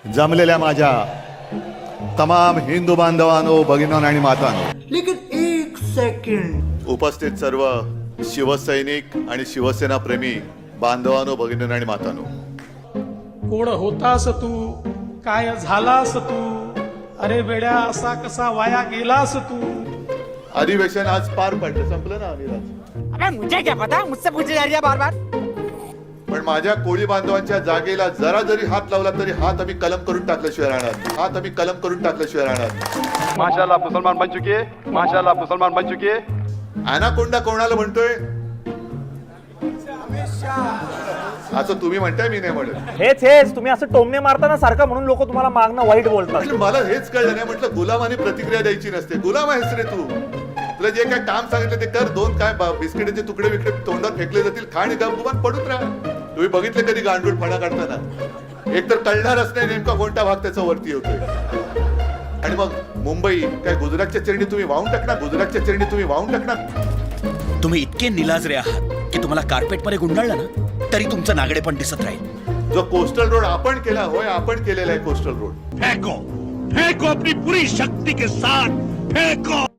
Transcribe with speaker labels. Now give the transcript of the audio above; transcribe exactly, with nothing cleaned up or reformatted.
Speaker 1: जमलेल्या माझ्या तमाम हिंदू बांधवांनो, भगिनींनो आणि मातांनो,
Speaker 2: लेकिन एक सेकंड,
Speaker 1: उपस्थित सर्व शिवसैनिक आणि शिवसेना प्रेमी बांधवांनो, भगिनींनो आणि मातांनो,
Speaker 3: कोण होतास तू, काय झालास तू, अरे वेड्या असा कसा वाया गेलास तू.
Speaker 1: अधिवेशन आज पार पडलं, संपलं ना अनिराज.
Speaker 4: अबे मुझे क्या पता, मुझसे पूछे जा रही है बार बार.
Speaker 1: पण माझ्या कोळी बांधवांच्या जागेला जरा जरी हात लावला तरी हात आम्ही कलम करून टाकल्याशिवाय राहणार, हात आम्ही कलम करून टाकल्याशिवाय राहणार.
Speaker 5: माशाल्लाह मुसलमान बन चुकी है, माशाल्लाह मुसलमान बन चुकी है.
Speaker 1: अनाकोंडा कोणाला म्हणतोय असं तुम्ही म्हणताय, मी नाही म्हणत.
Speaker 6: हेच हेच तुम्ही असं टोमणे मारताना सारखं म्हणून लोक तुम्हाला मागणं वाईट बोलतात.
Speaker 1: म्हणजे मला हेच कळलं नाही. म्हटलं गुलामाने प्रतिक्रिया द्यायची नसते. गुलाम आहेस रे तू. तुला जे काय काम सांगितलं ते कर. दोन काय बिस्किटाचे तुकडे बिकडे तोंडात फेकले जातील, खा आणि गपगुमान पडून राहा. तुम्ही बघितले कधी गांडूळ फणा काढताना? एक तर कळणारच नाही नेमका कोणता भाग त्याचा वरती होतोय. आणि मग मुंबई काय गुजरातच्या चरणी तुम्ही वाहून टाकणार, गुजरातच्या चरणी तुम्ही वाहून टाकणार.
Speaker 7: तुम्ही इतके निलाजरे आहात की तुम्हाला कार्पेट मध्ये गुंडाळलं ना तरी तुमचं नागडे पण दिसत राहील.
Speaker 1: जो कोस्टल रोड आपण केला, होय आपण केलेला आहे कोस्टल रोड.
Speaker 8: फेंको फेंको अपनी पूरी शक्ति के साथ फेंको.